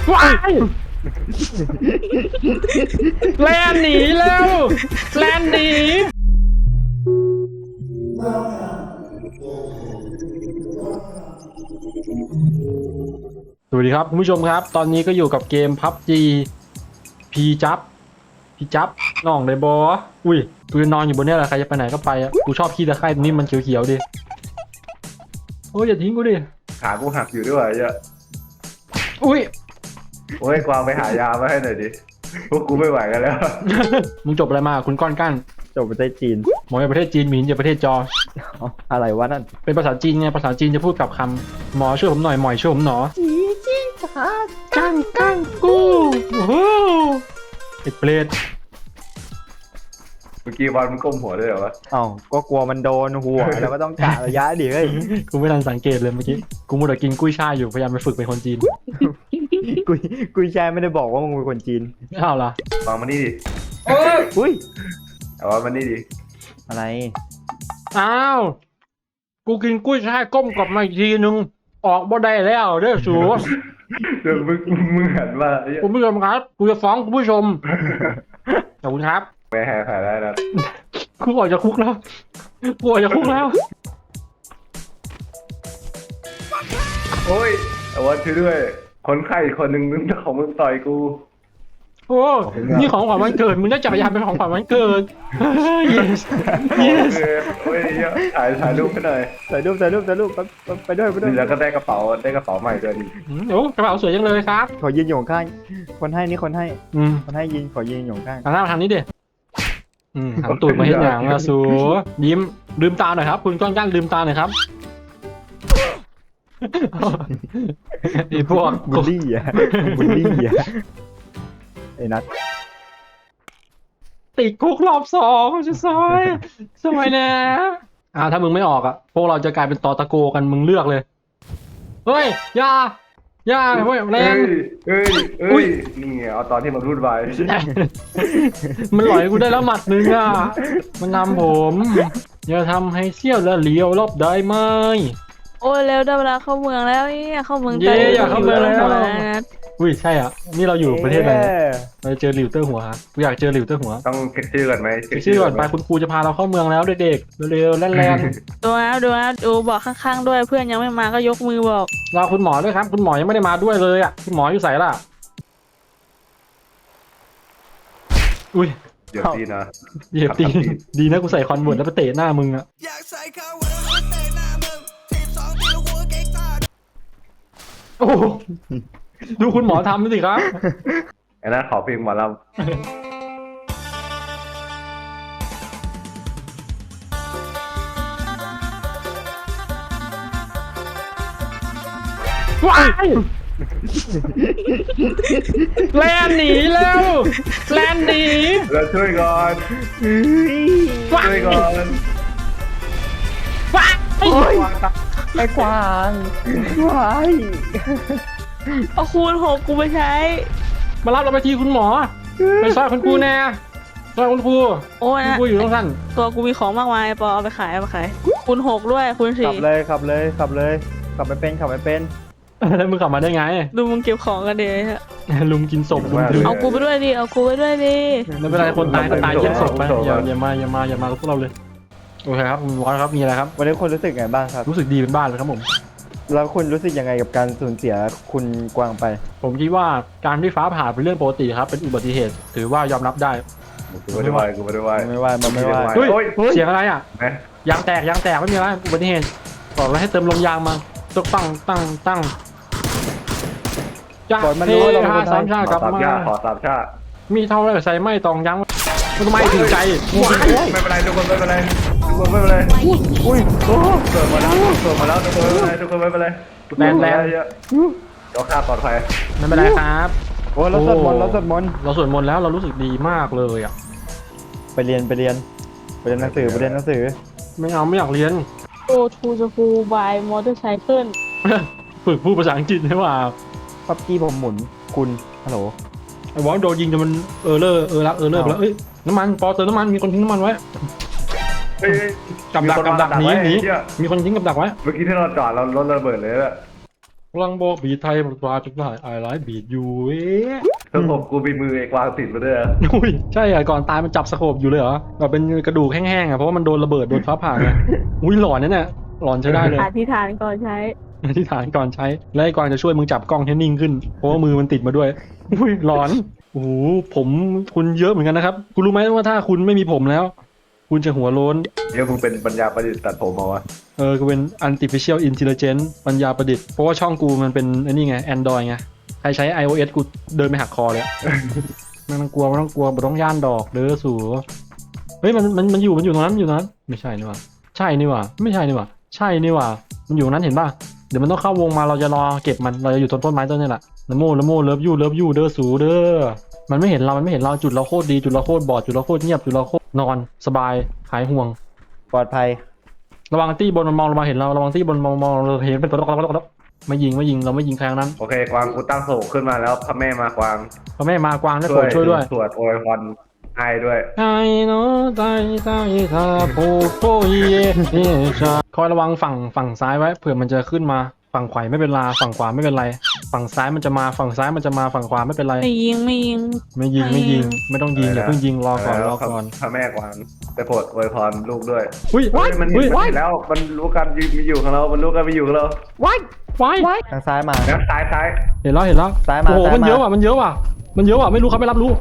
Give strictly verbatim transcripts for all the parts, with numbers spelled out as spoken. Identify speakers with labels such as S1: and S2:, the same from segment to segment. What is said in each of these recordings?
S1: ว้ายแลนหนีแล้วแลนหนีสวัสดีครับคุณผู้ชมครับตอนนี้ก็อยู่กับเกม พับจี พีจับพีจับน้องเลยบออุ้ยกูจะนอนอยู่บนนี้แหละใครจะไปไหนก็ไปอ่ะกูชอบขี้ตะไคร่ตรงนี้มันเขียวๆดิโอ้ยอย่าทิ้งกูดิ
S2: ขากูหักอยู่ด้วยเยอะ
S1: อุ้ย
S2: โอ้ยกวางไปหายามาให้หน่อยดิพวกกูไม่ไหวกันแล้ว
S1: มึงจบอะไรมาคุณก้อนกั้น
S3: จบประเทศจีน
S1: หมอในประเทศจีนหมินจากประเทศจอ
S3: อะไรวะนั่น
S1: เป็นภาษาจีนไงภาษาจีนจะพูดกับคำหมอช่วยผมหน่อยหมอยช่วยผมหนอ
S3: จีจีจ๋า
S1: กั้งกั้งกูโอ้โหไอ้เปรต
S2: เมื่อกี้บอลมันก้มหัวด้วยเหรอวะ
S3: เอ้าก็กลัวมันโดนหัว แล้วก็ต้องกะระยะดิเฮ้ย
S1: กูไม่ทันสังเกตเลยเมื่อกี้กูมัวแต่กินกุ้ยช่ายอยู่พยายามไปฝึกเป็นคนจีน
S3: กุยกุยแชร์ไม่ได้บอกว่ามึงเป็นคนจีน
S1: อ้าวเหรอ
S2: วางมานี่ดิ
S3: อุ้ย
S2: เอาว่ามานี่ดิ
S3: อะไร
S1: อ้าวกูกินกุ้ยช่ายก้มกลับมาอีกทีนึงออกบ่ได้แล้วเด้อสู
S2: เดี๋ยวมึงมึงหันมาไอ้เหี้ย
S1: คุณผู้ชมครับกูจะฟ้องคุณผู้ชมขอบคุณครับ
S2: ไม่หายหายได้นะ
S1: กูออกจากคุกแล้วกูออกจากคุกแล้ว
S2: โอ้ยเอาว่าช่วยด้วยคนไข้อีกคนหนึ่งมึงของมึงต่อยกู
S1: โอ้นี่ของขวัญวันเกิดมึงได้จักรยานเป็นของขวัญวันเกิด yes
S2: โอ้ย
S1: yes
S2: โอ้ยเหี้ยถ่ายถ่ายรูปให้หน่อย
S3: ถ่ายรูปถ่ายรูปถ่ายรูปไปไปด้วยไปด้วย
S2: แล้วก็ได้กระเป๋าได้กระเป๋าใหม่ด้วยดิ
S1: โอ้กระเป๋าสวยจังเลยครับ
S3: ขอยืนอยู่ข้างคนให้นี่คนให้
S1: อืม
S3: คนให้ยืนขอยืนอยู่ข้าง
S1: หันหน้ามาทางนี้ดิอืมหันตูดมาเห็นอย่างละสูยิ้มลืมตาหน่อยครับคุณก้อนกั้นลืมตาหน่อยครับไอ้พวก
S3: บูลลี่อ่ะบูลลี่อ่ะไอ้นัท
S1: ติดคุกรอบสองจะซอยสวยนะอ่าถ้ามึงไม่ออกอ่ะพวกเราจะกลายเป็นตอตะโกกันมึงเลือกเลยเฮ้ยอย่าอย่าเฮ้ยแร
S2: เอ้
S1: ง
S2: ยเอ้ยเอ้ยนี่ไงเอาตอนที่มันรุนวาย
S1: มันหลอยกูได้แล้วหมัดหนึ่งอ่ะมันนำผมอย่าทำให้เสี้ยวและเลี้ยวรอบได้ไหม
S4: โอ้ยเร็วได้เวลาเข้าเมืองแล้วเนี่ยเข้าเมือง
S1: เย้อยากเข้าเมืองแล้ว
S4: นะ
S1: อุ้ยใช่อ่ะนี่เราอยู่ประเทศอะไรเนี่ยเราจะเจอหลิวเตอร์หัวครับกูอยากเจอหลิวเตอร์หัว
S2: ต้องเช็คชื่อก่อนไหม
S1: เช็คชื่อก่อนไปคุณครูจะพาเราเข้าเมืองแล้วเด็กๆเร็วๆแล่น
S4: ดูนะดูนะดูบอกข้างๆด้วยเพื่อนยังไม่มาก็ยกมือบอก
S1: ๆรอคุณหมอด้วยครับคุณหมอยังไม่ได้มาด้วยเลยอ่ะคุณหมออยู่ใส่ล่ะอุ้ย
S2: เดี๋ยวดีนะ
S1: เหยียบตีนดีนะกูใส่คอนเวิร์ตแล้วไปเตะหน้ามึงอ่ะ
S5: อยากใส่ข้าวไว้แล้วเตะหน้ามึงทีมสองตีหัวเก่งตา
S1: โอ้โหดูคุณหมอทำสิครับ
S2: ไอ้นั่นขอเพลงหมอล
S1: ว้ายแลนหนีแล้วแลนหนี
S2: ำเราช่วยก่อน
S1: ว้า
S2: ช่วย ยก่อน
S1: ว้าย
S3: ไอ้กวางว้าย
S4: เอาคูณหกกูไปใช้
S1: มารับเราไปทีคุณหมอไปซอยคุณครูแน่ซอยคุณครู
S4: โอ้ย
S1: คุณ
S4: นะ
S1: ครูอยู่ตรงสั้น
S4: ตัวกูมีของมากมายปอเอาไปขายเอาไปขายคูณหกด้วยคูณ
S3: ขั
S4: สี่
S3: บเลยขับเลยขับเลยขับไม่เป็นขับไม่เป็น
S1: แล้วมึงขับมาได้ไง
S4: ดูมึงเก็บของกันเดี๋ยว
S1: ลุงกินศพลุงลืม
S4: เอากูไปด้วยดิเอากูไปด้วยดิ
S1: ไม่เป็นไรคนตายก็ตายเยี่ยมศพไปอย่าอย่ามาอย่ามาอย่ามากับพวกเราเลยโอเคครับคุณวอสครับมีอะไรครับ
S3: วันนี้คุณรู้สึกไงบ้างครับ
S1: รู้สึกดีเป็นบ้านเลยครับผม
S3: แล้วคุณรู้สึกยังไงกับการสูญเสียคุณกวางไป
S1: ผมคิดว่าการที่ฟ้าผ่าเป็นเรื่องปกติครับเป็นอุบัติเหตุถือว่ายอมรับได้
S2: กูไม่ได้ไหวกูไม่ได้ไหว
S3: ไม่ว่ามันไม่ว่า
S1: เฮ้ย
S2: โอ้ย
S1: เสียงอะไรอ่ะ
S2: ไหม
S1: ยางแตกยางแตกไม่มีอะไรอุบัติเหตุบอกแล้วให้เติมลมยางมาต้องตั้งตั้งตั้งจ้า
S3: ก่อนมัน
S1: เฮ้
S3: รู้ว่าเรา
S1: ย
S3: เป็นคนไทย
S1: สามชาติ
S2: ข
S1: ก
S2: อ
S1: ลับ
S2: สาม
S1: มา
S2: ชาขอสามชา
S1: มีเท่าไรใส่ไม่ตองยังมันไม่ถึงใจ
S2: ไม่เป็นไรทุกคนไม่เป็นไรทุกคนไม่เป็นไรอุ้ยโอ้เกิดมาแล้วเกิดมาแล้วทุกคนไม่เป็นไรทุกคนไม่เป็นไรเยอะเดี๋ยวข้าปลอดภัย
S1: ไม่เป็นไรครับ
S3: โอ้เราสวดมนต์เราสวดมนต์
S1: เราสวดมนต์แล้วเรารู้สึกดีมากเลยอ่ะ
S3: ไปเรียนไปเรียนไปเรียนหนังสือไปเรียนหนังสือ
S1: ไม่เอาไม่อยากเรียน
S4: โอ้ทูจะคูบายมอเตอร์ไซเคิล
S1: ฝึกพูดภาษาอังกฤษใช่ป่ะ
S3: พับกี้ผมหมุนคุณฮัลโหล
S1: ไอ้วอลโดนยิงจนมันเออเลอร์เออรักเออเลอร์ไปแล้วเอ้ยน้ำมันปอเติมน้ำมันมีคนทิ้งน้ำมันไว้
S2: เฮ้ย
S1: กับดักกับดักหนีหนีมีคนทิ้งกับดักไว้
S2: เมื่อกี้ที่เราจอดเรารถระเบิดเลยอะ
S1: โอ้ลังบอกบีไทยปลาจุกได้ไอไลท์บีดยูเอ๊ะ
S2: เธอผมกูมีมือไอ้กวางติดมาด้วยอะ
S1: อุ้ยใช่เหรอก่อนตายมันจับสโคปอยู่เลยเหรอแบบเป็นกระดูกแห้งๆอ่ะเพราะว่ามันโดนระเบิดโดนฟ้าผ่าไงอุ้ยหลอนเนี่ยเนี่ยหลอนใช้ได้เลย
S4: อธิษฐานก่อนใช้
S1: อธิษฐานก่อนใช้และไอ้กวางจะช่วยมึงจับกล้องให้นิ่งขึ้นเพราะว่ามือมันติดมาด้วยอุ้ยหลอนโอ้โหผมคุณเยอะเหมือนกันนะครับคุณรู้ไหมว่าถ้าคุณไม่มีผมแล้ว คุณจะหัวโล้น
S2: เดี๋ยวมึงเป็นปัญญาประดิษฐ์ตัดผมมาวะ
S1: เออก็เป็น artificial intelligence ปัญญาประดิษฐ์เพราะว่าช่องกูมันเป็นไอ้นี่ไง Android ไงใครใช้ iOS กูเดินไปหักคอเลยอะไม่ต้องกลัวไม่ต้องกลัวไม่ต้องย่านดอกเด้อสู่เฮ้ยมันมันมันอยู่มันอยู่ตรงนั้นมันอยู่ตรงนั้นไม่ใช่นี่หว่าใช่นี่หว่าไม่ใช่นี่หว่าใช่นี่หว่ามันอยู่ตรงนั้นเห็นป่ะเดี๋ยวมันต้องเข้าวงมาเราจะรอเก็บมันเราจะอยู่ต้นต้นไม้ต้นนี้แหละนะโมนะโมเลิฟยูเลิฟยูเด้อสู่เด้อมันไม่เห็นเรามันไม่เห็นเราจุดเราโคตรดีจุดเราโคตรบอดจุดเราโคตรเงียบจุดเราโคตรนอนสบายหายห่วง
S3: ปลอดภัย
S1: ระวังตี้บนมันมองลงมาเห็นเราระวังตี้บนมองมองเราเห็นเป็นตัวตกไม่ยิงไม่ยิงเราไม่ยิงใครทั้งนั้น
S2: โอเคกวางกูตั้งโศกขึ้นมาแล้วพระแม่มากวาง
S1: พระแม่มากวางได้โปรดช่วยด้วย
S2: สวดโอวยพรให้ด้วย
S1: ไอ้เนาะไตไตทาโพโพเยเอชาคอยระวังฝั่งฝั่งซ้ายไว้เผื่อมันจะขึ้นมาฝั่งขวาไม่เป็นไรฝั่งขวาไม่เป็นไรฝั่งซ้ายมันจะมาฝั่งซ้ายมันจะมาฝั่งขวาไม่เป็นไร
S4: ไม่ยิงไม่ยิง
S1: ไม่ยิงไม่ยิงไม่ต้องยิงอย่าเพิ่งยิงรอก่อนรอก่อน
S2: พระแม่กวางไปโปรดโอวยพรลูกด้วย
S1: อุ้ย
S2: เฮ้ยมันเห็น
S1: อุ้ย
S2: มันเห็นแล้วมันรู้กันมีอยู่ของเรา มันรู้กันมีอยู่ของเรา
S1: ว้ายว้าย
S3: ทางซ้ายมา
S2: แล้วซ้ายซ้าย
S1: เห็นแล้วเห็นแล้ว
S3: ซ้ายมา
S1: โอ้โห
S3: ซ้ายมามั
S1: มันเยอะว่ะมันเยอะว่ะมันเยอะว่ะไม่รู้เขาไม่รับรู้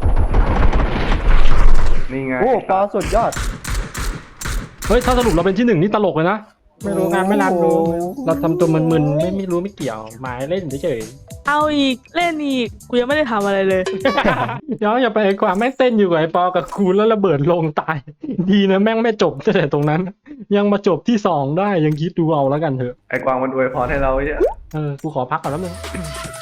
S2: นี่ไง
S3: โอ้ปอสุดยอด
S1: เฮ้ยถ้าสรุปเราเป็นที่หนึ่งนี่ตลกเลยนะ
S3: ไม่รู้งานไม่รับรู้
S1: เราทำตัวมึนๆไม่ไม่รู้ไม่เกี่ยวหมายเล่นเฉย
S4: เอาอีกเล่นอีกกูยังไม่ได้ทำอะไรเลย
S1: ๆ ย้อนอย่าไปไอ้กว่าแม่งเต้นอยู่กับไอ้ปอกับคูแล้วระเบิดลงตาย ดีนะแม่งไม่จบตั้งแต่ตรงนั้น ยังมาจบที่สองได้ยังคิดดูเอาแล้วกันเถอะ
S2: ไอ้กวางมันอวยพรให้เราไอ้เนี่ย
S1: เออกูขอพักก่อนแล้วนึง